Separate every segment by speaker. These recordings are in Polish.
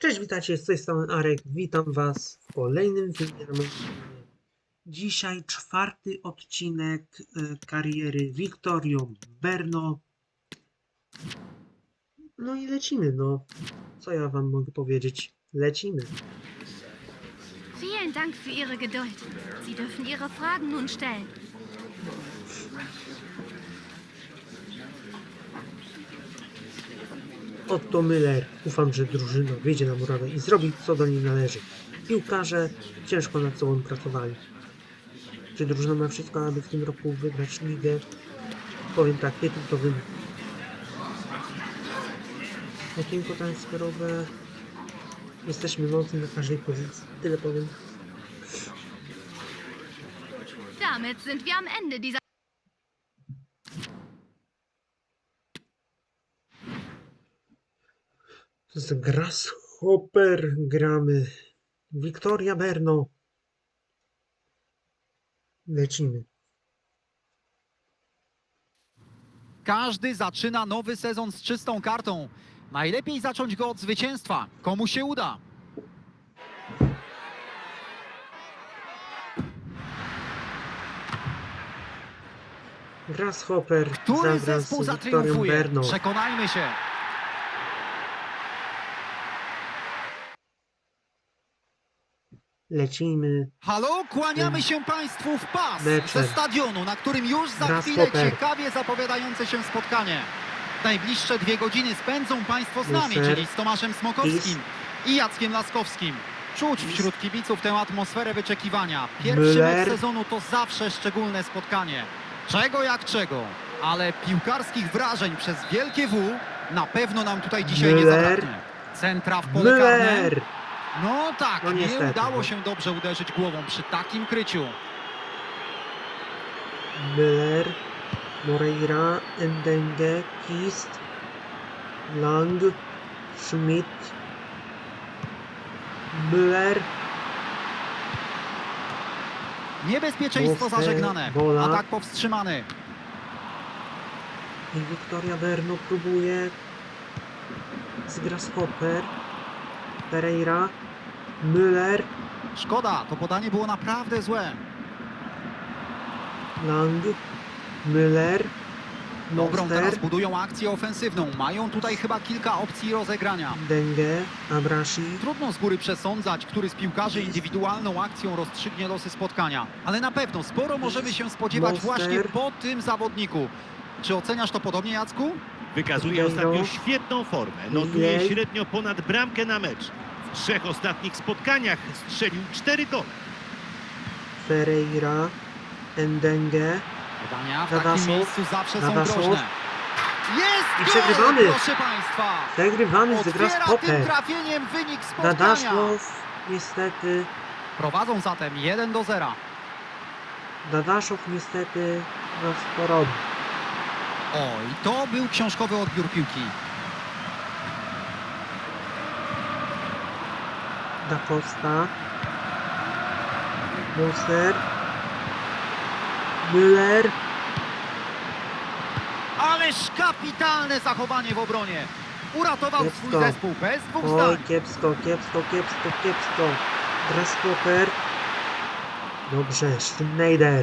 Speaker 1: Cześć, witajcie, z tej strony Arek. Witam Was w kolejnym filmie na moim kanale. Dzisiaj czwarty odcinek kariery Victorio Berno. No i lecimy, no. Co ja Wam mogę powiedzieć? Lecimy.
Speaker 2: Vielen Dank für Ihre Geduld. Sie dürfen Ihre Fragen nun stellen.
Speaker 1: Otto Müller. Ufam, że drużyna wyjdzie na murawę i zrobi, co do niej należy. Piłkarze ciężko nad sobą pracowali. Czy drużyna ma wszystko, aby w tym roku wygrać ligę? Powiem tak, tytuł to wynik. Okienko transferowe. Jesteśmy mocni na każdej pozycji. Tyle powiem.
Speaker 2: Damit sind wir am Ende dieser...
Speaker 1: Z Grasshopper gramy. Victoria Berno. Lecimy.
Speaker 3: Każdy zaczyna nowy sezon z czystą kartą. Najlepiej zacząć go od zwycięstwa. Komu się uda?
Speaker 1: Grasshopper
Speaker 3: Który
Speaker 1: zagra
Speaker 3: zespół
Speaker 1: z Victorią
Speaker 3: zatriumfuje?
Speaker 1: Berno.
Speaker 3: Przekonajmy się.
Speaker 1: Lecimy.
Speaker 3: Halo, kłaniamy się Państwu w pas
Speaker 1: Meczem.
Speaker 3: ze stadionu, na którym już za chwilę
Speaker 1: Grasshopper.
Speaker 3: ciekawie zapowiadające się spotkanie. Najbliższe 2 godziny spędzą Państwo z nami,
Speaker 1: Muser.
Speaker 3: czyli z Tomaszem Smokowskim i Jackiem Laskowskim. Czuć wśród kibiców tę atmosferę wyczekiwania. Pierwszy
Speaker 1: Müller.
Speaker 3: mecz sezonu to zawsze szczególne spotkanie. Czego jak czego, ale piłkarskich wrażeń przez wielkie W na pewno nam tutaj dzisiaj nie
Speaker 1: Müller.
Speaker 3: zabraknie. Centra w pole karne.
Speaker 1: Müller!
Speaker 3: No tak,
Speaker 1: No
Speaker 3: nie
Speaker 1: niestety,
Speaker 3: udało
Speaker 1: no.
Speaker 3: się dobrze uderzyć głową przy takim kryciu.
Speaker 1: Müller, Moreira, Ndenge, Kist, Lang, Schmidt, Müller,
Speaker 3: Niebezpieczeństwo
Speaker 1: Muster,
Speaker 3: zażegnane.
Speaker 1: Bola.
Speaker 3: Atak powstrzymany.
Speaker 1: i Victoria Berno próbuje z Grasshopper, Pereira, Müller,
Speaker 3: Szkoda, to podanie było naprawdę złe.
Speaker 1: Lang, Müller,
Speaker 3: Dobrą
Speaker 1: Monster,
Speaker 3: teraz budują akcję ofensywną. Mają tutaj chyba kilka opcji rozegrania.
Speaker 1: Ndenge, Abrashi,
Speaker 3: Trudno z góry przesądzać, który z piłkarzy indywidualną akcją rozstrzygnie losy spotkania. Ale na pewno sporo możemy się spodziewać
Speaker 1: Monster.
Speaker 3: właśnie po tym zawodniku. Czy oceniasz to podobnie, Jacku?
Speaker 4: Wykazuje
Speaker 1: Ribeiro.
Speaker 4: ostatnio świetną formę. Notuje
Speaker 1: Mniej.
Speaker 4: średnio ponad bramkę na mecz. W 3 ostatnich spotkaniach strzelił 4 gole.
Speaker 1: Pereira, Ndenge,
Speaker 3: Podania w
Speaker 1: Dadaszow.
Speaker 3: takim miejscu zawsze są
Speaker 1: Dadaszow.
Speaker 3: groźne. Jest
Speaker 1: I
Speaker 3: gol,
Speaker 1: przegrywamy.
Speaker 3: proszę Państwa!
Speaker 1: Przegrywamy z
Speaker 3: Otwiera tym
Speaker 1: Grasshopper.
Speaker 3: trafieniem wynik spotkania.
Speaker 1: Dadaszow niestety,
Speaker 3: Prowadzą zatem 1-0.
Speaker 1: Dadaszow niestety nas porobi.
Speaker 3: Oj, to był książkowy odbiór piłki.
Speaker 1: Da Costa, Moser, Müller,
Speaker 3: Ależ kapitalne zachowanie w obronie. Uratował swój
Speaker 1: Kiepsko.
Speaker 3: zespół bez dwóch
Speaker 1: oj
Speaker 3: zdań.
Speaker 1: kiepsko, kiepsko, kiepsko, kiepsko. Grasshopper, dobrze, Schneider,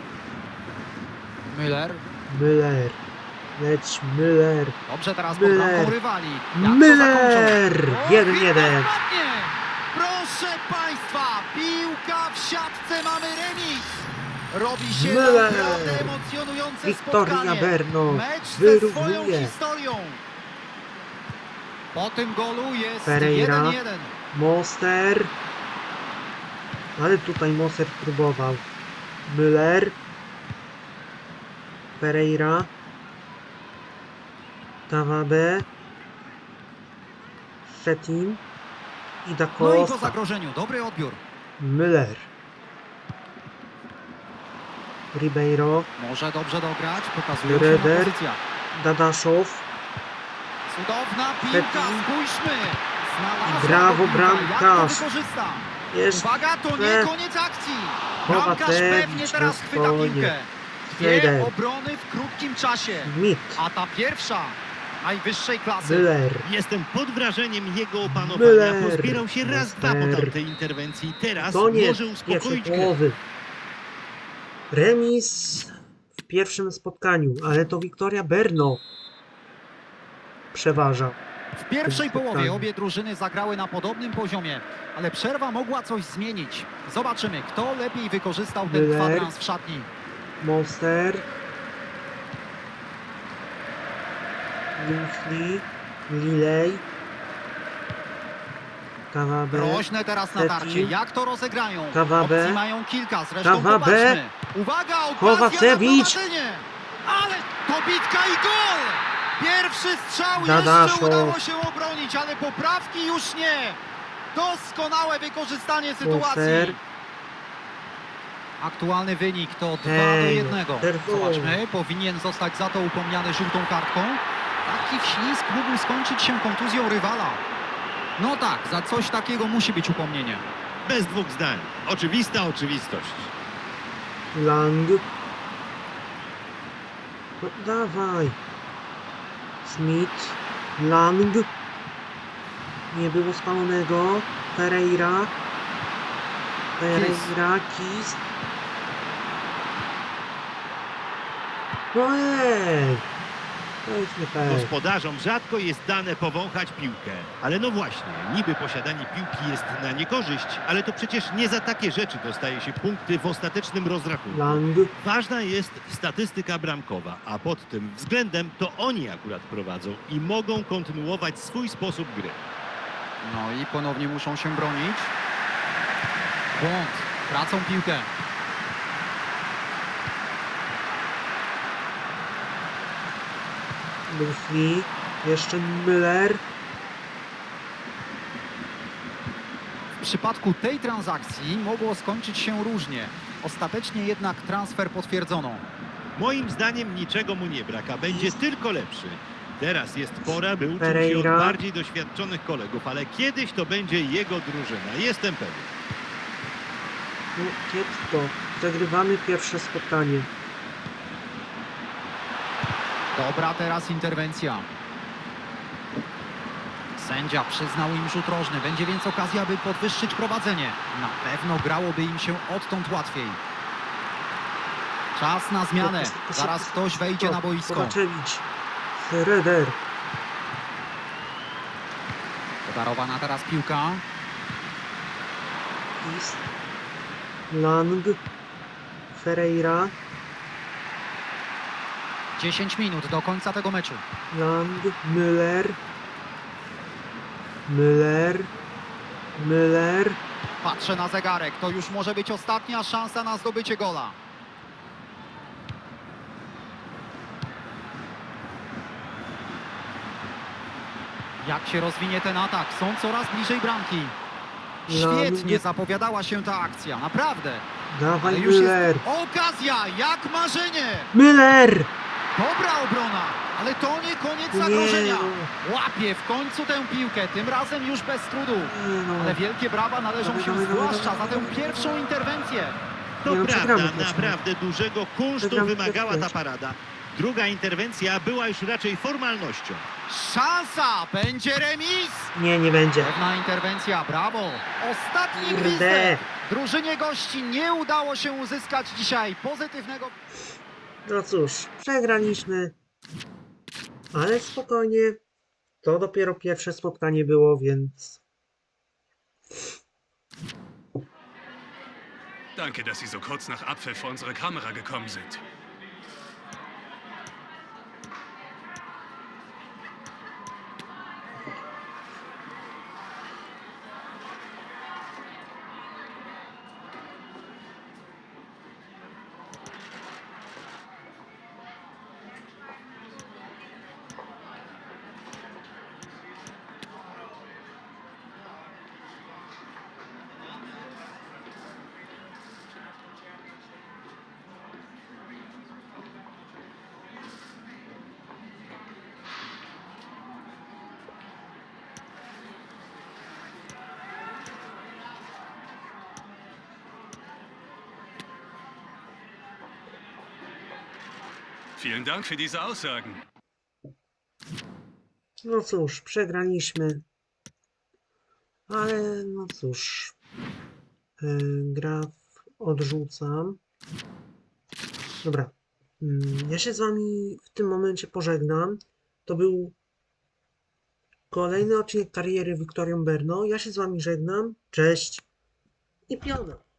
Speaker 3: Müller.
Speaker 1: Müller, leć Müller,
Speaker 3: Dobrze teraz pod
Speaker 1: Müller.
Speaker 3: bramką rywali. Jak to
Speaker 1: Müller,
Speaker 3: zakończą? O,
Speaker 1: 1-1.
Speaker 3: ładnie. Proszę Państwa, piłka w siatce, mamy remis. Robi się
Speaker 1: Müller.
Speaker 3: naprawdę emocjonujące
Speaker 1: Victoria
Speaker 3: spotkanie.
Speaker 1: Berno
Speaker 3: Mecz ze swoją
Speaker 1: wyrównuje.
Speaker 3: historią. Po tym golu jest
Speaker 1: Pereira.
Speaker 3: 1-1.
Speaker 1: Monster. Ale tutaj Moser próbował. Müller. Pereira. Tawabe. Szczecin. I Da
Speaker 3: No i po
Speaker 1: Costa.
Speaker 3: zagrożeniu, dobry odbiór.
Speaker 1: Müller. Ribeiro.
Speaker 3: Może dobrze dograć, pokazuje się
Speaker 1: Reder.
Speaker 3: pozycja.
Speaker 1: Dadaszow.
Speaker 3: Cudowna piłka,
Speaker 1: Szczecin.
Speaker 3: spójrzmy. Znalazła
Speaker 1: Brawo,
Speaker 3: go piłka. Jak to
Speaker 1: bramkarz.
Speaker 3: wykorzysta?
Speaker 1: Jeszcze
Speaker 3: Uwaga, to nie koniec akcji. Bramkarz
Speaker 1: Kowacevic
Speaker 3: pewnie teraz
Speaker 1: na
Speaker 3: chwyta
Speaker 1: spokojnie.
Speaker 3: piłkę.
Speaker 1: Schneider.
Speaker 3: Dwie obrony w krótkim czasie.
Speaker 1: Schmidt.
Speaker 3: A ta pierwsza najwyższej klasy.
Speaker 1: Müller.
Speaker 4: Jestem pod wrażeniem jego opanowania.
Speaker 1: Müller.
Speaker 4: Pozbierał się raz, dwa po
Speaker 1: Müller.
Speaker 4: tamtej interwencji. Teraz
Speaker 1: Koniec
Speaker 4: może
Speaker 1: pierwszej
Speaker 4: uspokoić grę.
Speaker 1: połowy. Remis w pierwszym spotkaniu, ale to Wiktoria Brno przeważa.
Speaker 3: W pierwszej
Speaker 1: spotkaniu.
Speaker 3: połowie obie drużyny zagrały na podobnym poziomie, ale przerwa mogła coś zmienić. Zobaczymy, kto lepiej wykorzystał ten
Speaker 1: Müller.
Speaker 3: kwadrans w szatni.
Speaker 1: Monster. Winfrey. Lilej. Kawabe.
Speaker 3: Groźne teraz
Speaker 1: Teti.
Speaker 3: natarcie. Jak to rozegrają?
Speaker 1: Kawabe.
Speaker 3: Opcji mają kilka, zresztą
Speaker 1: Kawabe.
Speaker 3: popatrzmy. Uwaga, okazja
Speaker 1: Kowacewicz.
Speaker 3: na prowadzenie. Ale to bitka i gol! Pierwszy strzał
Speaker 1: Dadaszo.
Speaker 3: jeszcze udało się obronić, ale poprawki już nie. Doskonałe wykorzystanie sytuacji.
Speaker 1: Monster.
Speaker 3: Aktualny wynik to 2 do
Speaker 1: Ej,
Speaker 3: 1.
Speaker 1: czerwony.
Speaker 3: Zobaczmy, powinien zostać za to upomniany żółtą kartką. Taki wślizg mógł skończyć się kontuzją rywala. No tak, za coś takiego musi być upomnienie.
Speaker 4: Bez dwóch zdań. Oczywista oczywistość.
Speaker 1: Lang. No dawaj. Smith. Lang. Nie było spalonego. Pereira. Kis. No ej. To jest nie fair.
Speaker 4: Gospodarzom rzadko jest dane powąchać piłkę. Ale no właśnie, niby posiadanie piłki jest na niekorzyść, ale to przecież nie za takie rzeczy dostaje się punkty w ostatecznym rozrachunku.
Speaker 1: Lang.
Speaker 4: Ważna jest statystyka bramkowa, a pod tym względem to oni akurat prowadzą i mogą kontynuować swój sposób gry.
Speaker 3: No i ponownie muszą się bronić. Błąd, tracą piłkę.
Speaker 1: Winfrey. Jeszcze Müller.
Speaker 3: W przypadku tej transakcji mogło skończyć się różnie. Ostatecznie jednak transfer potwierdzono.
Speaker 4: Moim zdaniem niczego mu nie brak, a będzie tylko lepszy. Teraz jest pora, by uczyć się
Speaker 1: Pereira.
Speaker 4: od bardziej doświadczonych kolegów, ale kiedyś to będzie jego drużyna. Jestem pewien.
Speaker 1: No kiepsko. Zagrywamy pierwsze spotkanie.
Speaker 3: Dobra teraz interwencja. Sędzia przyznał im rzut rożny. Będzie więc okazja, by podwyższyć prowadzenie. Na pewno grałoby im się odtąd łatwiej. Czas na zmianę. Zaraz ktoś wejdzie na boisko.
Speaker 1: Kowaczewicz. Schroeder.
Speaker 3: Podarowana teraz piłka.
Speaker 1: Kis. Lang. Ferreira.
Speaker 3: 10 minut do końca tego meczu.
Speaker 1: Lang. Müller. Müller.
Speaker 3: Patrzę na zegarek. To już może być ostatnia szansa na zdobycie gola. Jak się rozwinie ten atak? Są coraz bliżej bramki. Świetnie zapowiadała się ta akcja, naprawdę. Ale
Speaker 1: Dawaj
Speaker 3: już jest
Speaker 1: Müller.
Speaker 3: okazja, jak marzenie.
Speaker 1: Müller!
Speaker 3: Dobra obrona, ale to nie koniec
Speaker 1: Nie,
Speaker 3: zagrożenia.
Speaker 1: no.
Speaker 3: Łapie w końcu tę piłkę, tym razem już bez trudu.
Speaker 1: Nie no.
Speaker 3: Ale wielkie brawa należą
Speaker 1: Dawaj,
Speaker 3: się
Speaker 1: dawaj, dawaj,
Speaker 3: zwłaszcza za
Speaker 1: dawaj,
Speaker 3: tę
Speaker 1: dawaj.
Speaker 3: pierwszą interwencję.
Speaker 4: To
Speaker 1: Nie, no,
Speaker 4: prawda,
Speaker 1: przegramy też,
Speaker 4: naprawdę dużego kunsztu
Speaker 1: Przegramy
Speaker 4: wymagała
Speaker 1: też.
Speaker 4: ta parada. Druga interwencja była już raczej formalnością.
Speaker 3: Szansa, będzie remis.
Speaker 1: Nie będzie.
Speaker 3: Pewna interwencja, brawo. Ostatni
Speaker 1: Kurde.
Speaker 3: gwizdek. Drużynie gości nie udało się uzyskać dzisiaj pozytywnego...
Speaker 1: No cóż, przegraliśmy. Ale spokojnie. To dopiero pierwsze spotkanie było, więc...
Speaker 5: Danke, dass Sie so kurz nach Abpfiff vor unsere Kamera gekommen sind. Vielen Dank für diese Aussagen.
Speaker 1: No cóż, przegraliśmy. Ale no cóż. Graf odrzucam. Dobra. Ja się z wami w tym momencie pożegnam. To był kolejny odcinek kariery Wiktorią Berno. Ja się z wami żegnam. Cześć i piona.